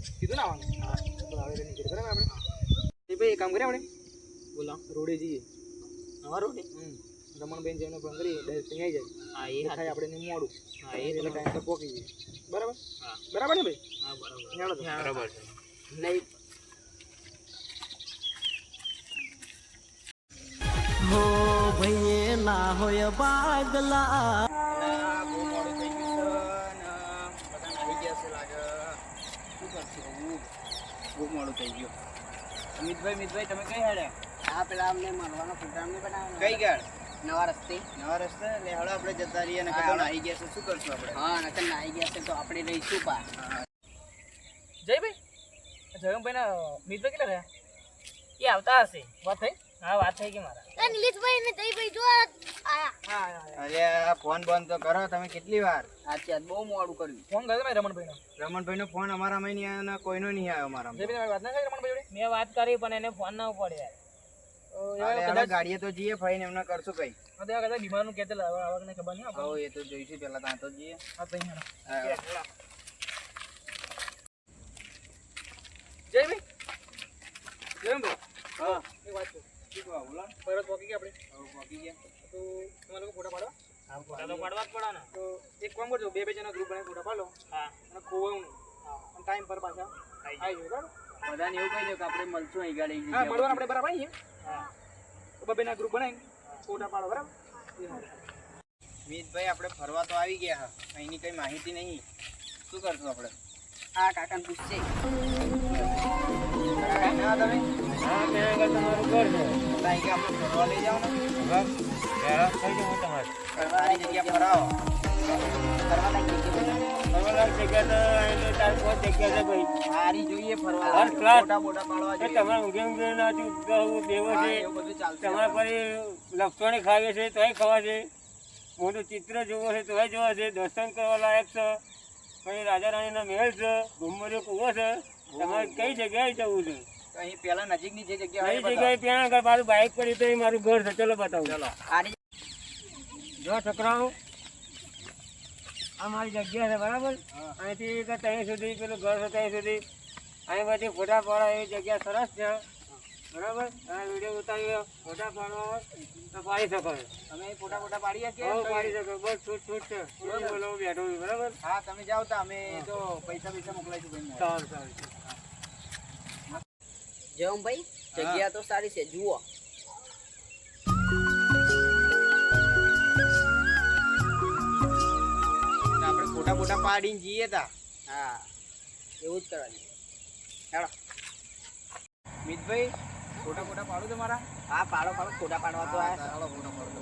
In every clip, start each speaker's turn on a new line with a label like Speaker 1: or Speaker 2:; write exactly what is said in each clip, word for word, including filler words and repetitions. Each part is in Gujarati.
Speaker 1: કીધું ના આવવાનું હા તો આવે નીકળે બરાબર આપણે એ ભાઈ એક કામ કરીએ આપણે બોલા રોડે જઈએ હા રોડે હમ રમણબેન જઈને ફોન કરી ડાયરેક્ટ અહીં આવી જાય હા એ થાય આપણે ને મોડું હા એ એટલે ટાઈમ પર પહોંચી જઈએ બરાબર હા બરાબર ને ભાઈ હા બરાબર બરાબર છે નહીં
Speaker 2: હો ભઈએ ના હોય બાગલા
Speaker 1: બહુ મોડું થઈ ગયું છે ને બધા આવી ગયા છે લાગે શું કરશું બહુ મોડું થઈ ગયું મિતભાઈ મિતભાઈ તમે કઈ હેડે
Speaker 3: આ પેલા અમને મળવાનો પ્રોગ્રામ નહીં બનાવ્યો
Speaker 1: કઈ ગાડ
Speaker 3: નવા રસ્તે
Speaker 1: નવા રસ્તે એટલે હળો આપણે જતા રહીએ અને કદાચ આવી ગયા છે શું કરશું આપણે
Speaker 3: હા નકર ના આવી ગયા છે તો આપણે રહીશું પા
Speaker 1: જયભાઈ જયભાઈ ના મિતભાઈ કેટલા રહ્યા એ આવતા હશે વાત થઈ હા વાત થઈ કે મારા
Speaker 4: નિલેશભાઈ ને જયભાઈ જો આયા
Speaker 1: હા અરે આ ફોન બંધ તો કરો તમે કેટલી વાર
Speaker 3: સાચી બહુ મોડું કર્યું
Speaker 1: ફોન કર્યો મેં રમણભાઈ નો રમણભાઈ નો ફોન અમારામાં નહીં આવ્યો અને કોઈનો નહીં આવ્યો અમારામાં જયભાઈ વાત ના કરી રમણભાઈ જોડે મેં વાત કરી પણ એને ફોન ના પડે યાર કદાચ ગાડીએ તો જઈએ ફાઈન એમને કરશું કઈ હા તો કદાચ બીમાર નું કહેતે આવક ને ખબર નહીં આપણે એ તો જોઈશું પેલા ત્યાં તો જઈએ હા તો અહીંયા જયભાઈ જયભાઈ હા એ વાત છે ઠીક વા બોલા પરત પોકી ગયા આપણે હવે પોકી ગયા તો તમારે લોકો ફોટા પાડવા હા ફોટા તો પાડવા જ પડે ને તો એક કામ કરજો બે બે જણા ગ્રુપ બનાવી ફોટા પાડો હા અને ખોવાનું હા અને ટાઈમ પર પાછા આવી જાય બરાબર
Speaker 3: બધાને એવું કહી દો કે આપણે મળશું અહીં ગાડી
Speaker 1: હા મળવાનું આપણે બરાબર આવીએ હા તો બબે ના ગ્રુપ બનાવીને ફોટા પાડો બરાબર મિતભાઈ આપણે ફરવા તો આવી ગયા હા અહીંની કઈ માહિતી નહીં શું કરશું આપણે
Speaker 3: હા કાકાને પૂછશે
Speaker 1: ના તમે હા મેં આગળ તમારું ઘર છે ત્યાં કે આપણે ફરવા લઈ જાઓ ને બસ પહેલા થઈ જાઉં તમારે ફરવાની જગ્યા ફરાવો
Speaker 3: ફરવા લાગી જગ્યા
Speaker 1: ફરવા લાગી જગ્યા તો એટલે ચાર પાંચ જગ્યા છે ભાઈ
Speaker 3: સારી જોઈએ ફરવા
Speaker 1: મોટા મોટા પાડવા જોઈએ તમારે ઊંઘે ઊંઘે ના દેવો છે એવું બધું ચાલશે તમારે ફરી લપસણી ખાવી છે તોય ખવા છે મોટું ચિત્ર જોવો છે તોય જોવા છે દર્શન કરવા લાયક છે પછી રાજા રાણીના મહેલ છે ઘુમરીઓ કૂવો છે તમારે કઈ જગ્યાએ જવું છે અહીં પેલા નજીકની જે જગ્યા કઈ જગ્યાએ ત્યાં આગળ મારું બાઇક પડી તો એ મારું ઘર છે ચલો બતાવું ચલો જો છોકરાઓ આ મારી જગ્યા છે બરાબર અહીંથી ત્યાં સુધી પેલું ઘર છે ત્યાં સુધી અહીં બધી ફોટા પાડવા એવી જગ્યા સરસ છે બરાબર આ વિડીયો ઉતારી ફોટા પાડવા તો પાડી શકો તમે ફોટા ફોટા પાડી શકીએ પાડી શકો બસ છૂટ છૂટ છે બોલો બેઠો બરાબર હા તમે જાઓ તો અમે તો પૈસા પૈસા મોકલાઈશું ભાઈ સારું સારું
Speaker 3: જમ ભાઈ જગ્યા તો સારી છે જુઓ
Speaker 1: આપણે ફોટા ફોટા પાડીને જઈએ તા
Speaker 3: હા એવું જ કરવાનું ચાલો
Speaker 1: મિતભાઈ ફોટા ફોટા પાડું તમારા
Speaker 3: હા પાડો પાડો ફોટા પાડવા તો આયા
Speaker 1: ચાલો ફોટા પાડો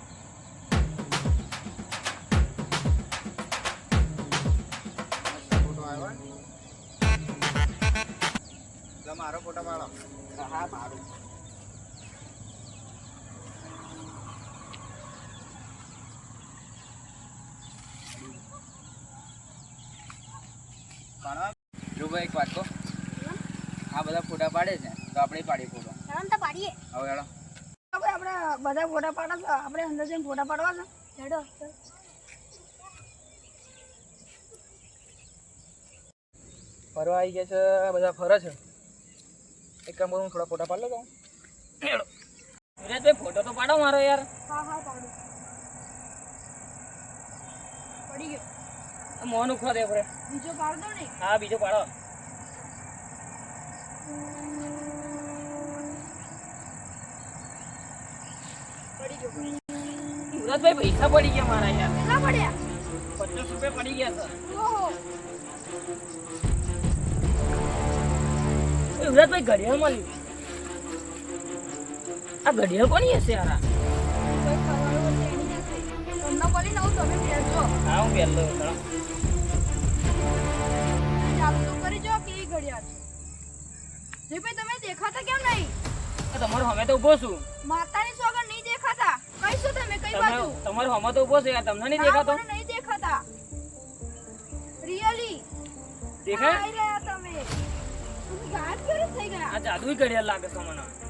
Speaker 1: ફોટો આવ્યો મારો ફોટા પાડો
Speaker 3: હા પાડું
Speaker 1: જો ભાઈ એક વાત કહો આ બધા ફોટા પાડે છે તો આપણે પાડીએ ફોટો
Speaker 4: ચાલો તો પાડીએ
Speaker 1: હવે હેડો
Speaker 4: આપણે આપણે બધા ફોટા પાડવા છે આપણે અંદર જઈને ફોટા પાડવા છે હેડો
Speaker 1: ફરવા આવી ગયા છે બધા ફરે છે એક કામ કરું થોડા ફોટા પાડ લો તો
Speaker 3: વિરાજભાઈ ફોટો તો પાડો મારો યાર
Speaker 4: હા હા પાડું પડી ગયો
Speaker 3: મોનું ખો દે ફરે
Speaker 4: બીજો પાડ દો ને
Speaker 3: હા બીજો પાડો
Speaker 4: પડી ગયો
Speaker 3: વિરાજભાઈ પૈસા પડી ગયા મારા યાર
Speaker 4: કેટલા પડ્યા
Speaker 3: પચાસ રૂપિયા પડી ગયા સર
Speaker 4: ઓહો
Speaker 3: વિરાજભાઈ ઘડિયાળ મળ્યું આ ઘડિયાળ કોની હશે યાર
Speaker 4: કોઈ ખબર નથી એની હશે તમને બોલી નવું તમે પહેરજો
Speaker 3: હા હું પહેરલો ચલો
Speaker 4: ચાલુ તો કરી જો કેવી ઘડિયાળ છે જે ભાઈ તમે દેખાતા કેમ નહીં
Speaker 3: તમારો હમે તો ઉભો છું
Speaker 4: માતાની સોગન નહીં દેખાતા કઈ શું તમે કઈ બાજુ
Speaker 3: તમારો હમે તો ઉભો છે યાર તમને નહીં દેખાતો
Speaker 4: મને નહીં દેખાતા રિયલી
Speaker 3: દેખાય
Speaker 4: આઈ રહ્યા તમે તમે ગાયબ કેવી થઈ ગયા
Speaker 3: આ જાદુઈ ઘડિયાળ લાગે છે મને